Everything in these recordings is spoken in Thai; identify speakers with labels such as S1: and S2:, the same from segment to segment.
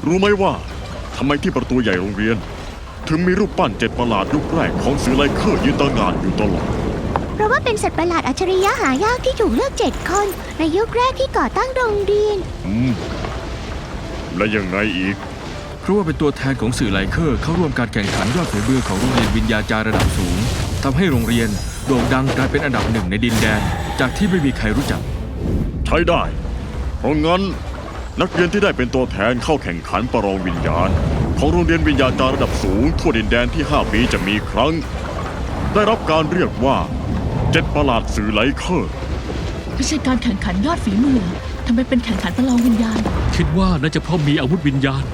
S1: รู้ไหมว่าทำไมที่ประตูใหญ่โรงเรียนถึงมีรูปปั้น7ประหลาดยุคแรกของเสือไลเคอร์ยืนตระหง่านอยู่ตลอด
S2: เพราะว่าเป็นสัตว์ประหลาดอัจฉริยะหายากที่ถูกเลือก7 คนในยุคแรกที่ก่อตั้งโรงเรียน
S1: และยังไงอีก
S3: เพราะว่าเป็นตัวแทนของสื่อไลเคอร์เข้าร่วมการแข่งขันยอดฝีมือของโรงเรียนวิญญาจารย์ระดับสูงทำให้โรงเรียนโด่งดังกลายเป็นอันดับ1ในดินแดนจากที่ไม่มีใครรู้จัก
S1: ใช้ได้เพราะงั้นนักเรียนที่ได้เป็นตัวแทนเข้าแข่งขันประลองวิญญาณของโรงเรียนวิญญาจารย์ระดับสูงทั่วดินแดนที่5 ปีจะมีครั้งได้รับการเรียกว่า7ประหลาดสื่อไลเคอร์
S4: ไม่ใช่การแข่งขันยอดฝีมือทำไมเป็นแข่งขันประลองวิญญาณ
S3: คิดว่าน่าจะเพราะมีอาวุธวิญญาณ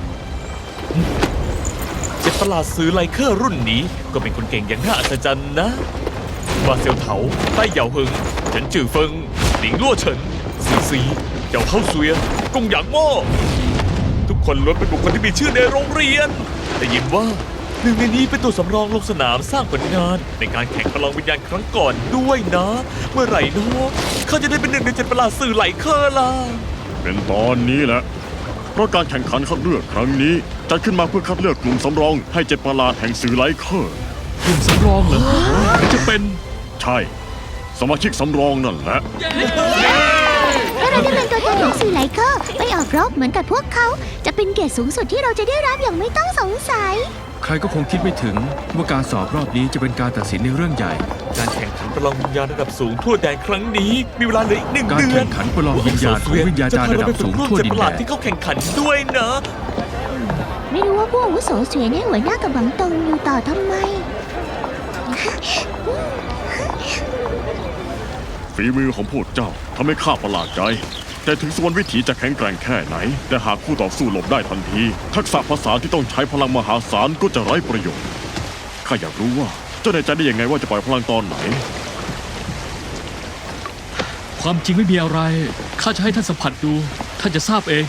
S5: 7ประหลาดสื่อไลเคอร์รุ่นนี้ก็เป็นคนเก่งอย่างน่าอัศจรรย์นะว่าเซียวเถาใต้เหยาเหิงเฉินจื่อเฟิงหลิงลั่วเฉินซีซีเหยาเข้าเซุยกงหยางโม่ทุกคนล้วนเป็นบุคคลที่มีชื่อในโรงเรียนแต่ยินว่าหนึ่งในนี้เป็นตัวสำรองลงสนามสร้างผลงานในการแข่งประลองวิญญาณครั้งก่อนด้วยนะเมื่อไหร่เนาะเขาจะได้เป็น1 ใน 7ประหลาดสื่อไลเคอร์ล่ะ
S1: เป็นตอนนี้แหละเพราะการแข่งขันคัดเลือกครั้งนี้จัดขึ้นมาเพื่อคัดเลือกกลุ่มสำรองให้7ประหลาดแห่งสื่อไลเคอร์
S3: กลุ่มสำรองเหรอจะเป็น
S1: ใช่สมาชิกสำรองนั่นแหละ
S2: ถ้าเราได้เป็นตัวแทนของสื่อไลเคอร์ไปออกรบเหมือนกับพวกเขาจะเป็นเกียรติสูงสุดที่เราจะได้รับอย่างไม่ต้องสงสัย
S3: ใครก็คงคิดไม่ถึงว่าการสอบรอบนี้จะเป็นการตัดสินในเรื่องใหญ่
S5: การแข่งขันประลองวิญญาณระดับสูงทั่วแดนครั้งนี้มีเวลาเหลืออีก1 เดือน
S3: การแข่งขันประลองวิญญาณของวิญญาจารย์ระดับสูงทั่วดินแดน
S5: ที่เขาแข่งขันด้วยนะ
S2: ไม่รู้ว่าพวกอาวุโสเสวียนให้หัวหน้ากับหวังตงอยู่ต่อทำไม
S1: ฝีมือของพวกเจ้าทำให้ข้าประหลาดใจแต่ถึงส่วนวิถีจะแข็งแกร่งแค่ไหนแต่หากคู่ต่อสู้หลบได้ทันทีทักษะภาษาที่ต้องใช้พลังมหาศาลก็จะไร้ประโยชน์ข้าอยากรู้ว่าเจ้าแน่ใจได้ยังไงว่าจะปล่อยพลังตอนไหน
S3: ความจริงไม่มีอะไรข้าจะให้ท่านสัมผัสดูท่านจะทราบเอง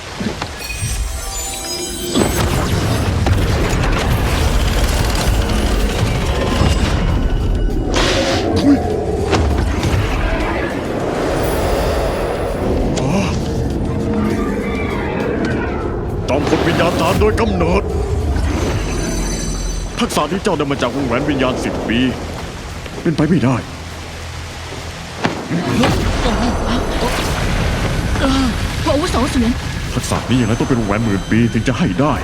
S1: จอมพลวิญญาจารย์โดยกำเนิดทักษะที่เจ้าได้มาจากวงแหวนวิญญาณ10 ปีเป็นไปไม่ได้
S4: พระอาวุโสเสวียน
S1: ทักษะนี้อย่างไรต้องเป็นวงแหวน10,000 ปีถึงจะให้ได้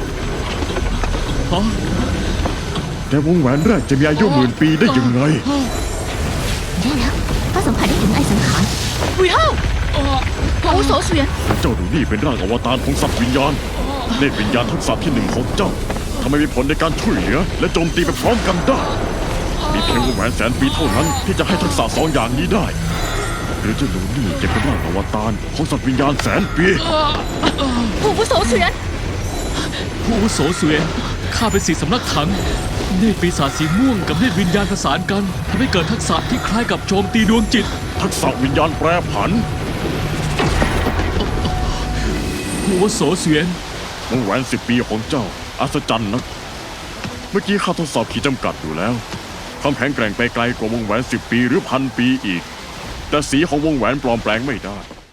S1: แต่วงแหวนแรกจะมีอายุ10,000 ปีได้ยังไง
S2: แย่แล้วเขาสัมผัสได้ถึงไอสังขาร
S4: วิเฮ้าพระอาวุโสเสวียน
S1: เจ้าดูนี่เป็นร่างอวตารของสัตว์วิญญาณเนตรวิญญาณทักษะที่1ของเจ้าทำไมมีผลในการช่วยเหลือและโจมตีไปพร้อมกันได้มีเพียงวงแหวน100,000 ปีเท่านั้นที่จะให้ทักษะ2 อย่างนี้ได้หรือเจ้าหนูนี่จะเป็นร่างอวตารของสัตว์วิญญาณ100,000 ปี
S4: ผู้อาวุโสเสวียน
S3: ผู้อาวุโสเสวียนข้าเป็นสีสำนักถังเนตรปีศาจสีม่วงกับเนตรวิญญาณผสานกันทำให้เกิดทักษะที่คล้ายกับโจมตีดวงจิต
S1: ทักษะวิญญาณแปรผัน
S3: ผู้อาวุโสเสวียน
S1: วงแหวน10 ปีของเจ้าอัศจรรย์นะเมื่อกี้ข้าทดสอบขีดจำกัดอยู่แล้วความแข็งแกร่งไปไกลกว่าวงแหวน10 ปีหรือ1,000 ปีอีกแต่สีของวงแหวนปลอมแปลงไม่ได้